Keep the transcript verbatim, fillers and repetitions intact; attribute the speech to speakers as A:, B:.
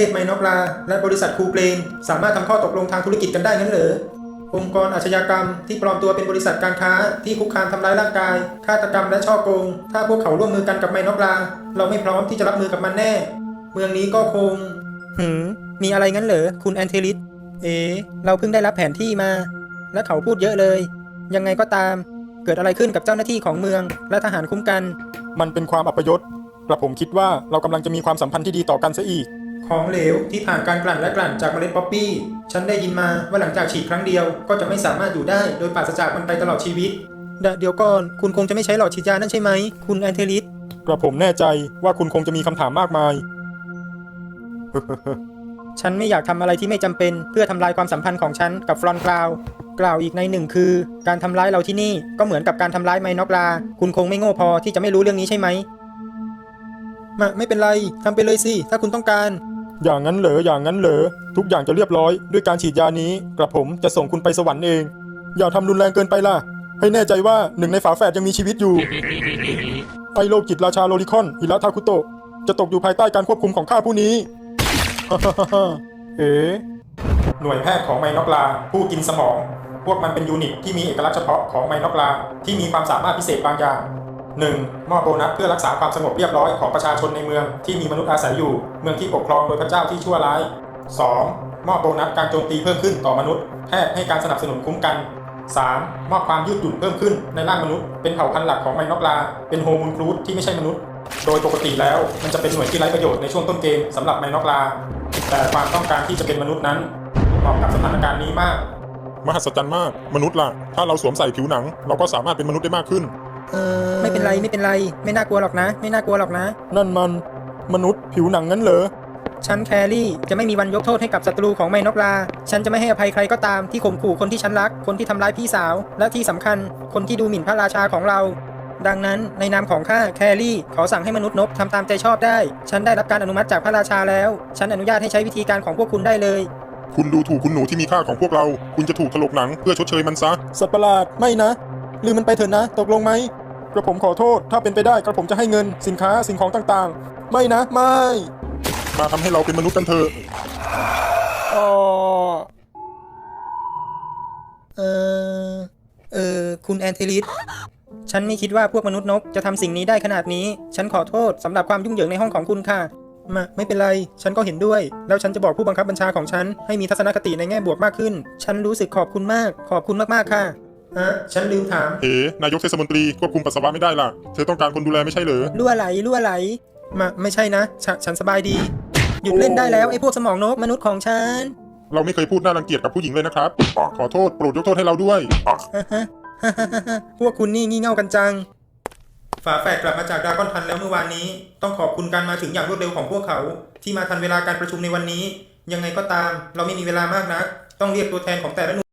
A: ศไมนอกลาและบริษัทคูเกรนสามารถทำข้อตกลงทางธุรกิจกันได้งั้นเหรอองค์กรอาชญากรรมที่ปลอมตัวเป็นบริษัทการค้าที่คุกคามทำร้ายร่างกายฆาตกรรมและช่อโกงถ้าพวกเขาร่วมมือกันกับไมนอกลาเราไม่พร้อมที่จะรับมือกับมันแน่เมืองนี้ก็คงหืมมีอะไรงั้นเหรอคุณแอนเทลิสเอ๋เราเพิ่งได้รับแผนที่มาและเขาพูดเยอะเลยยังไงก็ตามเกิดอะไรขึ้นกับเจ้าหน้าที่ของเมืองและทหารคุ้มกัน
B: มันเป็นความอัปยศกระผมคิดว่าเรากำลังจะมีความสัมพันธ์ที่ดีต่อกันซะอีก
A: ของเหลวที่ผ่านการกลั่นและกลั่นจากเมล็ดป๊อปปี้ฉันได้ยินมาว่าหลังจากฉีดครั้งเดียวก็จะไม่สามารถอยู่ได้โดยปราศจากมันไปตลอดชีวิตเดี๋ยวก่อนคุณคงจะไม่ใช้หลอดฉีดยานั่นใช่ไหมคุณแอนเทลิส
B: กระผมแน่ใจว่าคุณคงจะมีคำถามมากมาย
A: ฉันไม่อยากทำอะไรที่ไม่จำเป็นเพื่อทำลายความสัมพันธ์ของฉันกับฟรอนกราวกล่าวอีกในหนึ่งคือการทำร้ายเราที่นี่ก็เหมือนกับการทำร้ายไมนอกลาคุณคงไม่โง่พอที่จะไม่รู้เรื่องนี้ใช่ไหมมาไม่เป็นไรทำไปเลยสิถ้าคุณต้องการ
B: อย่างนั้นเหรออย่างนั้นเหรอทุกอย่างจะเรียบร้อยด้วยการฉีดยานี้กระผมจะส่งคุณไปสวรรค์เองอย่าทำรุนแรงเกินไปล่ะให้แน่ใจว่าหนึ่งในฝาแฝดยังมีชีวิตอยู่ ไอโลกิตราชาโลลิคอนฮิระทาคุโตะจะตกอยู่ภายใต้การควบคุมของข้าผู้นี้ เอ๋หน่วยแพทย์ของไมนอกลาผู้กินสมองพวกมันเป็นยูนิตที่มีเอกลักษณ์เฉพาะของไมนอกลาที่มีความสามารถพิเศษบางอย่าง หนึ่ง. มอบโบนัสเพื่อรักษาความสงบเรียบร้อยของประชาชนในเมืองที่มีมนุษย์อาศัยอยู่เมืองที่ปกครองโดยพระเจ้าที่ชั่วร้าย สอง. มอบโบนัสการโจมตีเพิ่มขึ้นต่อมนุษย์แพทย์ให้การสนับสนุนคุ้มกัน สาม. มอบความยืดหยุ่นเพิ่มขึ้นในร่างมนุษย์เป็นเผ่าพันธุ์หลักของไมนอกลาเป็นโฮมูนครูดที่ไม่ใช่มนุษย์โดยปกติแล้วมันจะเป็นหน่วยที่ไร้ประโยชน์ในช่วงต้นเกมสำหรับไมนอกลาแต่ความต้องการที่จะเป็นมนุษย์นั้นเหมาะกับสถานการณ์นี้มากมหัศจรรย์มากมนุษย์ล่ะถ้าเราสวมใส่ผิวหนังเราก็สามารถเป็นมนุษย์ได้มากขึ้น
A: เออไม่เป็นไรไม่เป็นไรไม่น่ากลัวหรอกนะไม่น่ากลัวหรอกนะ
B: นั่นมันมนุษย์ผิวหนังงั้นเหรอ
A: ฉันแครี่จะไม่มีวันยกโทษให้กับศัตรูของไมนอกลาฉันจะไม่ให้อภัยใครก็ตามที่ข่มขู่คนที่ฉันรักคนที่ทำร้ายพี่สาวและที่สำคัญคนที่ดูหมิ่นพระราชาของเราดังนั้นในนามของข้าแครี่ขอสั่งให้มนุษย์นบทำตามใจชอบได้ฉันได้รับการอนุมัติจากพระราชาแล้วฉันอนุญาตให้ใช้วิธีการของพวกคุณได้เลย
B: คุณดูถูกคุณหนูที่มีค่าของพวกเราคุณจะถูกถลกหนังเพื่อชดเชยมันซะสัตว์ประหลาดไม่นะลืมมันไปเถอะนะตกลงไหมกระผมขอโทษถ้าเป็นไปได้กระผมจะให้เงินสินค้าสิ่งของต่างๆไม่นะไม่มาทำให้เราเป็นมนุษย์กันเถอะอ๋อ
A: เออเออคุณแอนเทลิสฉันไม่คิดว่าพวกมนุษย์นกจะทำสิ่งนี้ได้ขนาดนี้ฉันขอโทษสำหรับความยุ่งเหยิงในห้องของคุณค่ะมาไม่เป็นไรฉันก็เห็นด้วยแล้วฉันจะบอกผู้บังคับบัญชาของฉันให้มีทัศนคติในแง่บวกมากขึ้นฉันรู้สึกขอบคุณมากขอบคุณมากๆค่ะฮะฉันลืมถาม
B: เอ๋นายกเทศมนตรีควบคุมปัสสาวะไม่ได้ล่ะเธอต้องการคนดูแลไม่ใช่เหรอ
A: รั่วไหลรั่วไหลมาไม่ใช่นะฉฉันสบายดีหยุดเล่นได้แล้วไอ้พวกสมองนกมนุษย์ของฉัน
B: เราไม่เคยพูดน่ารังเกียจกับผู้หญิงเลยนะครับขอโทษโปรดยกโทษให้เราด้วย
A: พวกคุณนี่งี่เง่ากันจังฝาแฝดกลับมาจากดราก้อนพันแล้วเมื่อวานนี้ต้องขอบคุณการมาถึงอย่างรวดเร็วของพวกเขาที่มาทันเวลาการประชุมในวันนี้ยังไงก็ตามเราไม่มีเวลามากนักต้องเรียกตัวแทนของแต่ละหน่วย